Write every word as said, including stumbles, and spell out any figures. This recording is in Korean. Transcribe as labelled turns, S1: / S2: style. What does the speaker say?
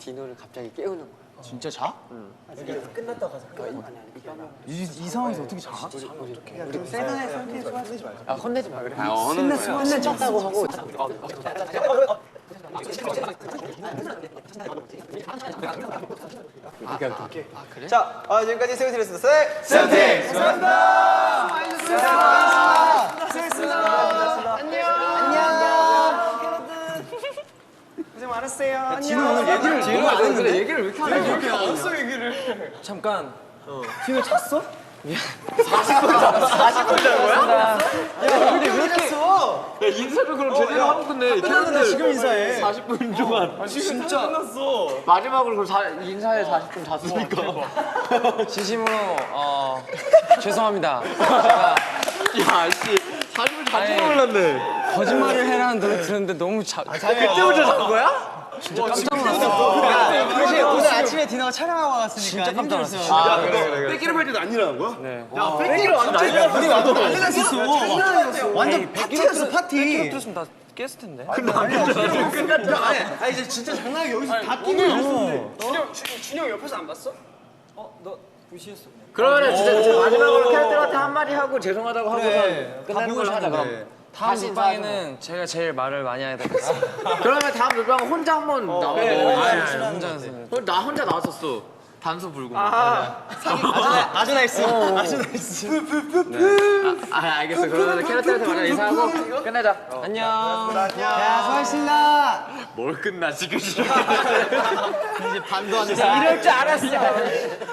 S1: 디노를 갑자기 깨우는 거야.
S2: 진짜 자?
S1: 응.
S3: 그러니까 끝났다 가자.
S2: 이, 이 상황에서 어떻게 자?
S1: 우리 세상에 상태에 소화하지 말자. 아 혼내지 마 그래.
S4: 아, 어느 거야?
S1: 혼내쳤다고 하고. 오케이 오케이. 아 그래?
S3: 자, 아, 지금까지 세븐틴이었습니다. 세!
S2: 세븐틴!
S3: 수고하셨습니다. 수고하셨습니다. 수고하셨습니다. 안녕. 안녕. 고생 많았어요. 안녕.
S2: 디노 오늘 얘기를 너무 안 했는데?
S1: 얘기를 왜 이렇게 안 해?
S2: 이렇게 안 했어 얘기를.
S3: 잠깐.
S2: 디노 잤어?
S3: 사십 분 잔 거야? 야, 근데 왜 이렇게 했어?
S4: 야, 인사도 그럼 제대로 하고 끝내.
S3: 끝났는데 지금 인사해.
S4: 사십 분 동안.
S3: 아, 진짜 끝났어.
S1: 마지막으로 그럼 사, 인사에 사십 분 잤으니까.
S5: 진심으로 어 죄송합니다. 제가
S4: 야, 씨. 사십 분
S5: 아니,
S4: 잔줄 몰랐네.
S5: 거짓말을 해라는 노래 들었는데 너무 자,
S4: 그때부터 잔 거야?
S5: 진짜 깜짝 놀랐어.
S3: 사실 오늘 아침에 디너가 촬영하고 왔으니까
S5: 진짜 깜짝 놀랐어.
S3: 힘들었어요.
S4: 아, 그래, 그래, 그래. 뺏기를 할 때도 안 일어난 거야?
S5: 네.
S4: 야, 뺏기를 안 일어난
S3: 우리 완전 난리 났었어. 완전 파티였어, 파티.
S5: 들었으면 다 깼을 텐데.
S3: 아, 이제 진짜 장난이 여기서 다 끼고 있었는데.
S1: 그러면은 진짜, 진짜 마지막으로 캐럿들한테 한마디 하고 죄송하다고 하고서 끝내는 걸로 하자 그럼.
S5: 다음
S1: 다시
S5: 녹방에는 제가 제일 말을 많이 해야 되겠어.
S1: 그러면 다음 녹방은 혼자 한번 나와도 돼.
S5: 혼자서.
S1: 어, 나 혼자 나왔었어. 단소 불고.
S3: 아하. 아주 나이스. 아주 나이스.
S1: 아, 알겠어. 그러면 캐럿들한테 먼저 인사하고 끝내자.
S5: 안녕.
S3: 야, 수고하셨습니다.
S4: 뭘 끝나, 지금.
S3: 이제 반도 안 됐어.
S1: 이럴 줄 알았어.